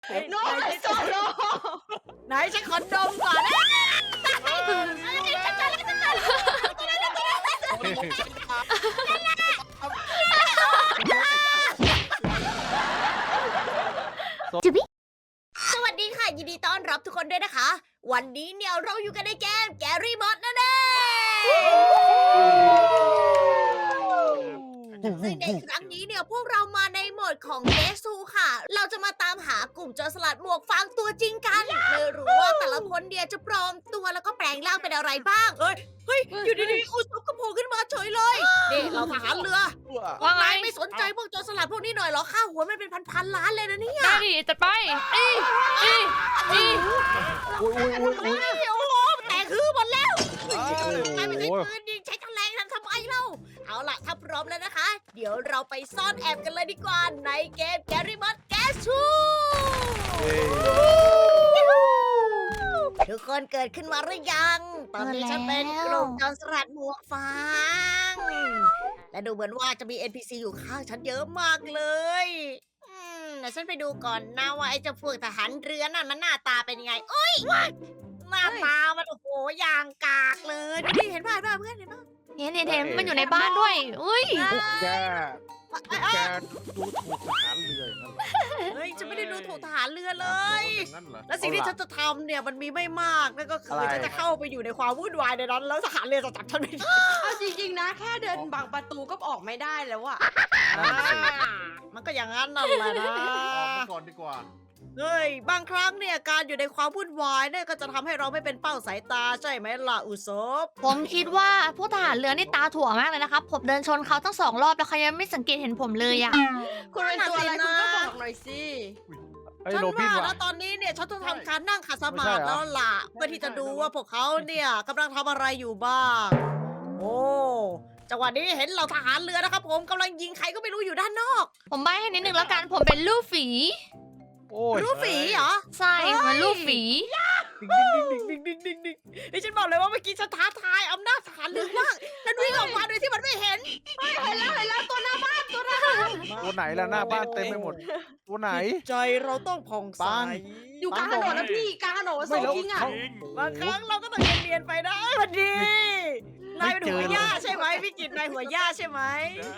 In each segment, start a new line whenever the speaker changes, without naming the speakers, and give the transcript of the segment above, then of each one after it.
โน้ตโซโล
ไหนฉันขอดมก่อนนะฉันเจอแล้วสวัสดีค่ะ ยินดีต้อนรับทุกคนด้วยนะคะ วันนี้เนี่ยเราอยู่กันในเกมแกรี่มอดนั่นเองซึ่งในครั้งนี้เนี่ยพวกเรามาในโหมดของเกซูค่ะ เราจะมาตามหากลุ่มโจรสลัดหมวกฟางตัวจริงกันไม่รู้ว่าแต่ละคนเนี่ยจะปลอมตัวแล้วก็แปลงร่างเป็นอะไรบ้างเฮ้ยอยู่ดีๆอุศบกระโผล่ขึ้นมาเฉยเลยนี่เราทหารเรือ
ว่าไง
นายไม่สนใจพวกโจรสลัดพวกนี้หน่อยเหรอค่าหัวมันเป็นพันๆล้านเลยนะเนี่ย
ได้ดิจัดไปอีอี
อุ้ย
โอ้โหแต่คือหมดแล้วนายไม่ใช่ปืนยิงใช้แฉลงทำไมเล่าเอาล่ะถ้าพร้อมแล้วนะคะ เดี๋ยวเราไปซ่อนแอบกันเลยดีกว่าในเกมแกรี่มอดแกชูทุกคนเกิดขึ้นมาหรือยัง ตอนนี้ฉันเป็นกลุ่มโจรสลัดหมวกฟางและดูเหมือนว่าจะมี NPC อยู่ข้างฉันเยอะมากเลยเดี๋ยวฉันไปดูก่อนนะว่าไอ้เจ้าพวกทหารเรือนั่นมันหน้าตาเป็นยังไงโอ้ยหน้าตามันโอ้โหอย่างกากเลยดูดิเห็นป่ะเพื่อนเห็นป่ะ
เห็นมันอยู่ในบ้านด้วยอุ้ย
พวกแกดูถูกทหารเรืออย่างนั้นเหรอ
เฮ้ยฉันไม่ได้ดูถูกทหารเรือเลย
อย่างนั้นเหรอ
และสิ่งที่ฉันจะทำเนี่ยมันมีไม่มากนั่นก็คือ
อะไร
ฉันจะเข้าไปอยู่ในความวุ่นวายในนั้นแล้วทหารเรือจะจับฉันไม่ได้
เอาจริงๆนะ แค่เดินบังประตูก็ออกไม่ได้แล้วอะ
มันก็อย่างนั้นนั่นแหละนะ
ออกมาก่อนดีกว่า
เฮ้ยบางครั้งเนี่ยการอยู่ในความวุ่นวายเนี่ยก็จะทำให้เราไม่เป็นเป้าสายตาใช่ไหมล่ะอุศบ
ผมคิดว่าพวกทหารเรือนี่ตาถั่วมากเลยนะครับผมเดินชนเขาตั้ง2 รอบแล้วเขายังไม่สังเกตเห็นผมเลยอ่ะ
คุณเป็นตัวอะไรคุณก็บอกหน่อยสิ
ไอ้
ฉัน
โรบิน
ว่า
ว่ะ
แล้วตอนนี้เนี่ยฉันต้องทำการนั่งขัดสมาธิ
ไม่ใช่เหรอ
แล้วล่ะเพื่อที่จะดูว่าพวกเขาเนี่ยกำลังทำอะไรอยู่บ้างโอ้จังหวะนี้เห็นเราทหารเรือนะครับผมกำลังยิงใครก็ไม่รู้อยู่ด้านนอก
ผมใบ้ให้นิดนึงแล้วกันผมเป็นลูกฝี
โอ้ย
รู้ฝีเหรอ
ใช่มันลูกฝี
ดิ่งไอ้ฉันบอกเลยว่าเมื่อกี้ฉันท้าทายอำนาจทหารเรือมากฉันวิ่งออกมาโดยที่มันไม่เห็น
เห็นแล้วตัวหน้าบ้าน
ตัวไหนล่ะหน้าบ้านเต็มไปหมด ตัวไหน
ใจเราต้องผ่องใส
ปัง
อยู่กลางถนนนะพี่กลางถนนโซกิ้งอะ
บางครั้งเราก็ต้องเรียนๆไปนะพอดีนายเป็นหัวย่าใช่ไหมพี่กิตนายหัวย่าใช่ไหม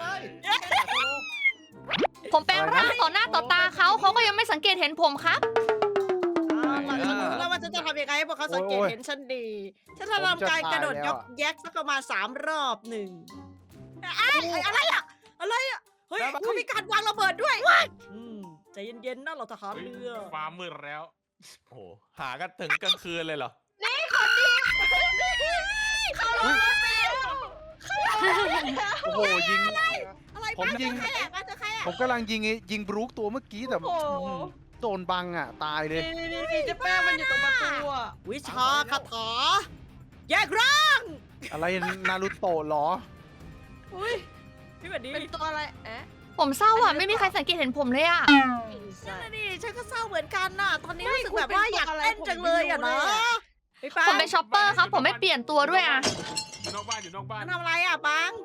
ผมแปลงร่างต่อหน้าต่อตาเขาก็ยังไม่สังเกตเห็นผมครับ
ฉันรู้แล้วว่าฉันจะทำยังไงให้พวกเขาสังเกตเห็นฉันดี ฉันจะทำการกระโดดยกแยกสักประมาณ3 รอบหนึ่งอะไรอะเฮ้ยเขามีการวางระเบิดด้วยใจเย็นๆนะเราทหารเรือ
ฟ้ามืดแล้ว โอ้โหหากันถึงกลางคืนเลยเหรอ
โอ้โหยิง
อะไร
ผมยิง
ใครอะเจอใครอะ
ผมกำลังยิงบรูคตัวเมื่อกี้แต่
โอ้โห
โดนบังอ่ะ ตายเลย
นี่เจะแป้งมันอยู่ตรงประตูอะ
วิชาคาถาแยกร่าง
อะไรนารูโตะเหรอ
อุ้ย
พี่แบบนี้
เป็นตัวอะไรเอ๊ะ
ผมเศร้าอ่ะไม่มีใครสังเกตเห็นผมเลยอ่ะ
นั่นน่ะดิฉันก็เศร้าเหมือนกันน่ะ ตอนนี้รู้สึกแบบว่าอยากเต้นจังเลยอะนะพี่ปัง
ผมเป็นช็อปเปอร์ครับผมไม่เปลี่ยนตัวด้วยอ่ะ
อยู่นอกบ้านอยู่นอกบ้าน
ทำอะไรอะปัง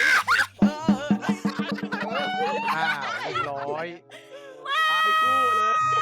อ้าวเรียบร้อย
ตายคู่เลย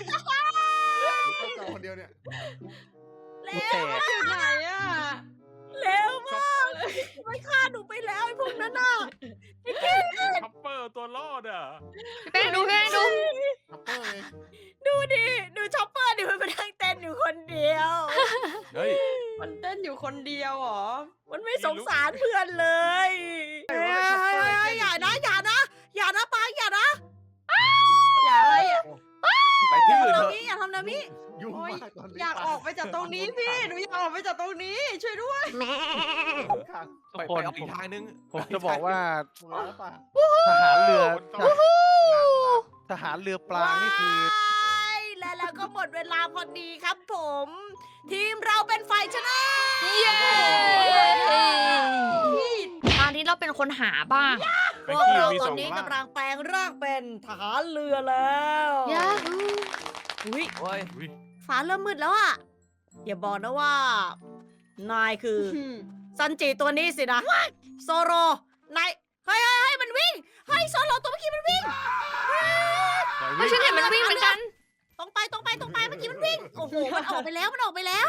คนเดียวเนี่ย
เร็
แต
ว
ก
อยู่ไหนอะ
เร็วมากมันฆ่าหนูไปแล้วไอ้พวกนั้นน่ะ
ช็อปเปอร์ตัวรอดอ่ะ
พี่แป้งดูพี่แป้งดู
ดูดิดูช็อปเปอร์ดิมันไปนั่งเต้นอยู่คนเดียว
เฮ้ย
มันเต้นอยู่คนเดียวเหรอ
มันไม่สงสารเพื่อนเลยอย่านะปังอย่านะ
อย่าอะไรอะ
ไปที่อื่น
ทำ
เถ
นา
อะ
มิอย่าทำนามิ
ยุ่ง
โอ๊ย
มากตอนนี้
อยากออกไปจากตรงนี้พี่หนูอยากออกไปจากตรงนี้ช่วยด้วย
ไปไปเอาอีกทางนึง
ผมจะบอกว่า ทหารเรือ ทหารเรือปลานี่คือ
ว้ายและแล้วก็หมดเวลาพอดีครับผม ทีมเราเป็นฝ่ายชนะ
เย้ตอนนี้เราเป็นคนหาบ้าง
พวกเราตอนนี้กำลังแปลงร่างเป็นทหารเรือแล้ว
ยา
อุ้ย
โอ้ย
ฟ้าเริ่มมืดแล้วอะอย่าบอกนะว่า นายคือซันจิตัวนี้สินะ โซโรนายเฮ้ยมันวิ่งเฮ้ยโซโรตัวเมื่อกี้มันวิ่ง
ไม่ใช่เห็นมันวิ่งเหมือนกัน
ตรงไปเมื่อกี้มันวิ่ง โอ้โห มันออกไปแล้ว
ออกไม่ได้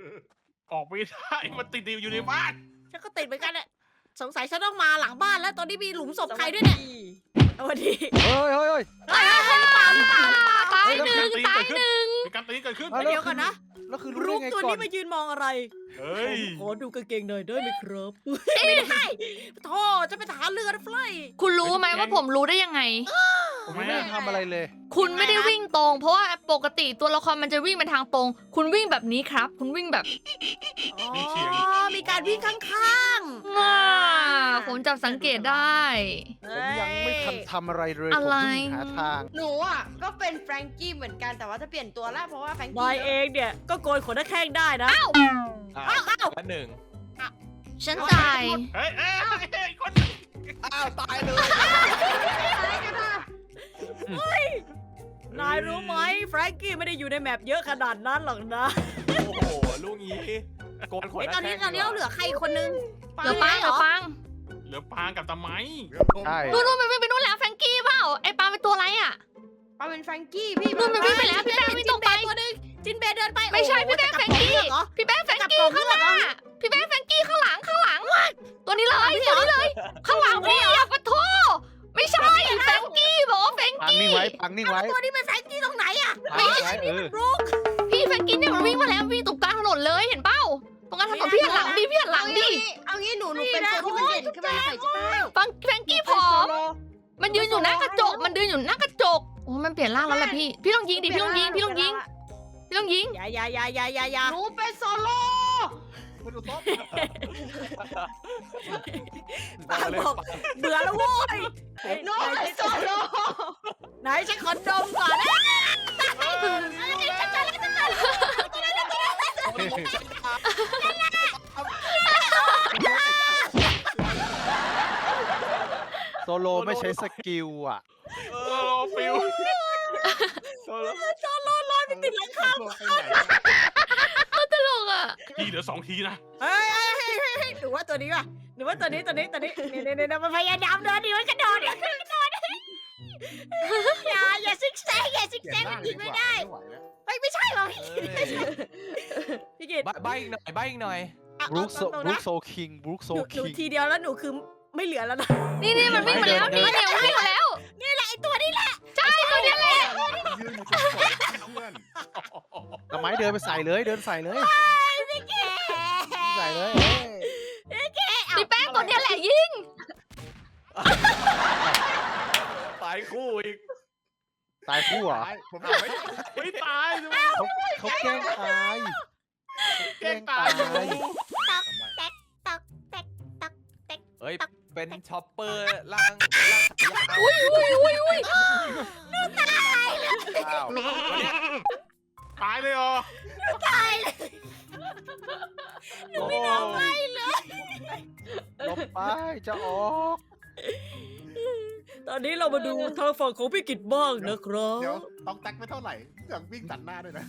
มันติดอยู่ในบ้าน
ฉันก็ติดเหมือนกันเนี่ยสงสัยฉันต้องมาหลังบ้านแล้ว ตอนนี้มีหลุมศพใครด้วยเนี่ยสวัสดี
เฮ้ย
ตายหนึ่งตายหนึ่ง
มีการตีเกิดขึ้น
เดี๋ยวก่อนนะ
แล้วคือรู้
รู
ได้
ป
ไง
ตัว
ก่อน
นี้มายืนมองอะไร
เฮ้ย
ขอดูกางเกงหน่อยได้ไหมครับไม่ได้โธ่จะไปทหารเรือนะเฟลย
คุณรู้ไหมว่าผมรู้ได้ยังไง
ผมไม่ได้ทำอะไรเลย
คุณไม่ได้วิ่งตรง เพราะว่าปกติตัวละครมันจะวิ่งเป็นทางตรง คุณวิ่งแบบนี้ครับ คุณวิ่งแบบ
อ๋อ
มีเสียง
มีการวิ่งข้าง
ง่าผมจับสังเกตได้
ๆ
ผมยังไม่ทันทำอะไรเลย
อะไร
ผมวิ่งหาทาง
หนูอ่ะก็เป็นแฟรงกี้เหมือนกันแต่ว่าจะเปลี่ยนตัวแล้วเพราะว่าแฟรงกี้
นายเองเนี่ยก็โกนขนหน้าแข้งได้นะ
อ้าว
อ้าว
ละหนึ่ง
ฉันตาย
เฮ้ยคน
อ้าวตายเลย
นายรู้ไหมแฟรงกี้ไม่ได้อยู่ในแมปเยอะขนาดนั้นหรอกนะ
โอ้โหลูกนี้โกนขน
ไอ้ยตอนนี้เราเหลือใครคนนึง
เดี๋ยวปัง
เหรอ
เหลือปางกับตะไม้
ใช่
นู่นมันวิ่งไปนู่นแล้วแฟรงกี้เปล่า ไอ้ปาเป็นตัวอะไรอ่ะ
ปาเป็นแฟรงกี้พี่
นู่นมันวิ่งไปแล้วพี่แป้งวิ่งตรงไป
ตัวนึงจินเบย์เดินไป
ไม่ใช่
โอ้โห
พี่แป้ง
จะ
แฟ
ก
ร
ลั
ง
บ
กี้
กล่องเลือกเหรอ
พี่แป้งแฟรงกี้ข้างหน้าพี่แป้งแฟรงกี้ข้างหลัง ตัวนี้เลยตัวนี้เลย ข้างหลังพี่อย่าปะโทไม่ใช่แฟรงกี้บอกว่าแฟรง
ปัง
กี้
นิ่งไว้ปังนิ่งไว้
ตัวนี้เป็นแฟรงกี้ตรงไหนอะ
ปังนิ่งไว้
รุก
พี่แฟรงกี้เนี่ยมันวิ่งมาแล้ววิ่งตรงกลางถนนเลยเห็นเป้าตรงกลางถนนพี่หันหลังดิพี่หันหลังดิ
เอางี้หนูเป็นตัวที่มันเด่นขึ้นมาหน่อยใช่ไหม
แฟรงกี้ผอม มันยืนอยู่หน้ากระจก มันยืนอยู่หน้ากระจก โอ้มันเปลี่ยนร่างแล้วแหละพี่ พี่ต้องยิงดิ พี่ต้องยิง พี่ต้องยิง พี่ต้องยิง
อย่า
หนูเป็นโซโล่
ปางบอกเบื่อแล้วโว้ย
หนูเป็นโซโล่
ไหนฉันขอดมก่อนนะฉันเจอแล้ว
โซโลไม่ใช้สกิลอ่ะ
โซโลฟิว
โซโล่
ติดหลังคา
ตลกอ่ะ
ทีเหลือ2 ทีนะ
เฮ้ยหนูว่าตัวนี้ว่ะหนูว่าตัวนี้เนี่ยมันพยายามเดินดิมันกระโดดอย่าซิกแซกมันยิงไม่ได้เฮ้ยไม่ใช่หรอพี่กิต
ใบอีกหน่อยใบอีกหน่อย
บรูคโซคิงบรูคโซ
หนู
คิง
ทีเดียวแล้วหนูคือไม่เหลือแล้วนะ
นี่มันวิ่งมาแล้ว นี่มันวิ่งมาแล้ว
ไอตัวนี้แหละ
ใช่ตัวนี้แหละ
ยืนอยู่ตรงเพื่อน
ทำไมเดินไปใส่เลยเดินใส่เลย
พี่แก
ใส่เลย
พี่แป้งตัวนี้แหละยิง
ตายคู่อีก
ตายคู่เหรอ
ผมไม่ตาย
เขาแกล้งตาย
แกล้งตายอยู่
เฮ้ยเป็นช็อปเปอร์ล่าง
อุ้ย
อ้าว
ตายเลยเหรอ
โอ้ลบไปจะออก
ตอนนี้เรามาดูทางฝั่งของพี่กิตบ้างนะครับ
เดี๋ยวต้องแตกไม่เท่าไหร่เครื่องวิ่งตัดหน้าด้วยนะ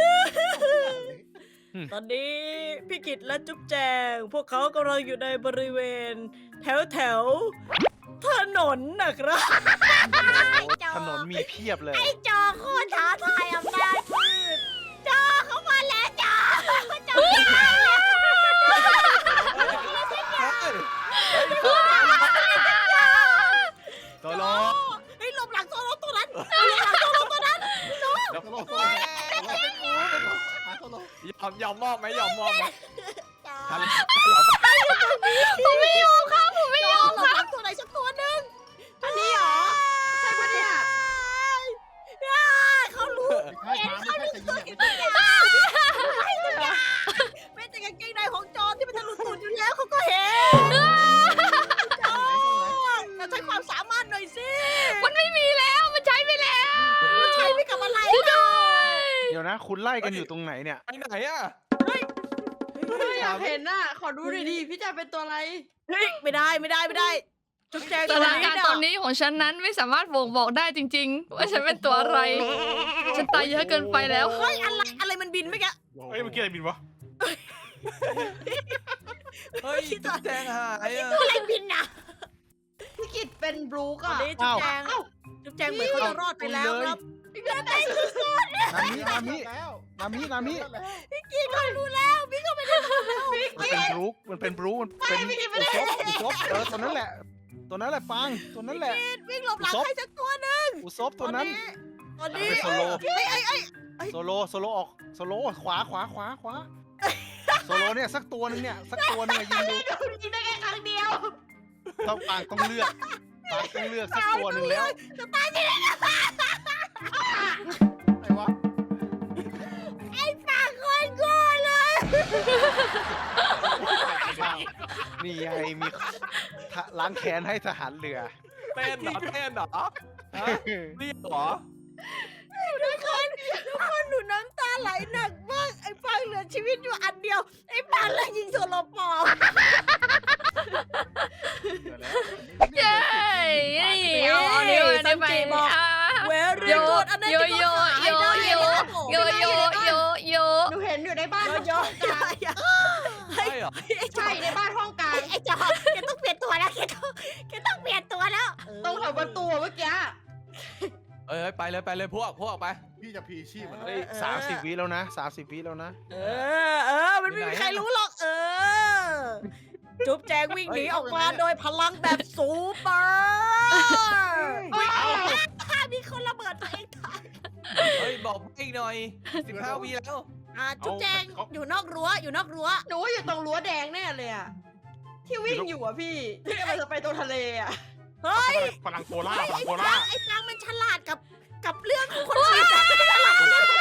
ตอนนี้พี่กิตและจุ๊บแจง พวกเขากำลังอยู่ในบริเวณแถวถนนนะครับ
ถนนมีเพียบเลย
ไอ้จอโคตรท้าทายอำนาจมืดจอเข้ามาแล้วจอจอ
โซโล่
เฮ้ยหลบหลังโซโลตัวนั้นหลบหลังโซโลตัวนั้น
โซโลโซโลโซโล
ยอมมอบไหมยอมมอบไหม
จอ
ผมไม่ยอมครับผมไม่ยอม
หลบหลังตัวไหนสักตัวหนึ่ง
อันนี้เหรอใช่ปะเนี่ย
เขารู้
ไม่ใช่ไม่ใช่จะยิงไม่ใช่
แม้แต่กางเกงในของจอที่มันทะลุตูดอยู่แล้วเขาก็เห็นจอเราใช้ความสามารถหน่อยสิ
มันไม่มีแล้ว มันใช้ไปแล้ว
มันใช้ไม่กับอะไร
ช่วยด้วย
เดี๋ยวนะคุณไล่กันอยู่ตรงไหนเนี่ย
ไปไหนอ่ะ
อยากเห็นน่ะขอดูหน่อยดิพี่จะเป็นตัวอะไร
เฮ้ยไม่ได้จุ๊บแจง
สถานการณ์ตอนนี้ของฉันนั้นไม่สามารถบ่งบอกได้จริง ๆ ว่าฉันเป็นตัวอะไร ฉันตายเยอะเกินไปแล้ว
เฮ้ยอะไรมันบินไม่แก
เฮ้ยเมื่อกี้อะไรบินวะ
เฮ้ยจุ๊บแจงหายอ่ะ
อะไรบินน่ะ
พี่กิตเป็นบรูค
ตอน
อ่ะ
นี้จุ๊บแจงเหมือนเขาจะรอดไปแล้วครับ
นามินามิ
แล้ว
นามินามิ
พี่เขารู้แล้วพี่ก็ไม่ได้รู้แล้ว
มันเป็นบรูมันเป็นอุซบตัวนั้นแหละ ตัวนั้นแหละปังตัวนั้นแหละ
วิ่งหลบหลังใครสักตัวหนึง
อุซบตัวนั้น
ตอนนี้
เป็นโซโล
ไอ้
โซโลออกโซโลขวาโซโลเนี่ยสักตัวหนึงเนี่ยสักตัวหนึงอะยิงดู
ยิงได้แค่ครั้งเดียว
ต้องปังต้องเลือกสักตัวหนึงแล้ว
จะตายที่ไหน
ไอ้วะ
ไอ้ปากคนโง่เลย
ปังนี่ไงมีล้างแค้นให้ทหารเรือ
เต้นเหรอเต้นเหรอฮะเรียกเหรอ
ทุกคนหนูน้ำตาไหลหนักมากไอ้ปางเหลือชีวิตอยู่อันเดียวไอ้ปางเลยยิงโซโลปอม
เย้เอานิ้วอันนี้ไปอ่ะ
เวรี่กูดอันนั้นจะก็ขายได้นะครับผม
โย
หนูเห็นอยู่ในบ้าน
โย
ห้องกลาง
ใช่เหรอ
ใช่ในบ้านห้องกลาง
ไอ้จอแกต้องเปลี่ยนตัวแล้วแกต้องเปลี่ยนตัวแล้ว
ตรงแถวประตูเมื่อกี้
เอ้ยไปเลยพวกออกไป
พี่จะพีชีพมัน
เฮ้ย30 วิแล้วนะ30 วิแล้วนะ
มันไม่มีใครรู้หรอกจุ๊บแจงวิ่งหนีออกมาโดยพลังแบบซูเปอร์มีคนระเบิดตัวเองตาย
เฮ้ยบอกอีกหน่อย15 วิแล้ว
จุ๊บแจงอยู่นอกรั้ว
หนูว่าอยู่ตรงรั้วแดงแน่เลยอะที่วิ่งอยู่อะพี่ที่กำลังจะไปตรงทะเลอะ
เฮ้ย
พลังโคล่าพลังโค
ไอ้
ล่า
ปางมันฉลาดกับเรื่องของคนอื่น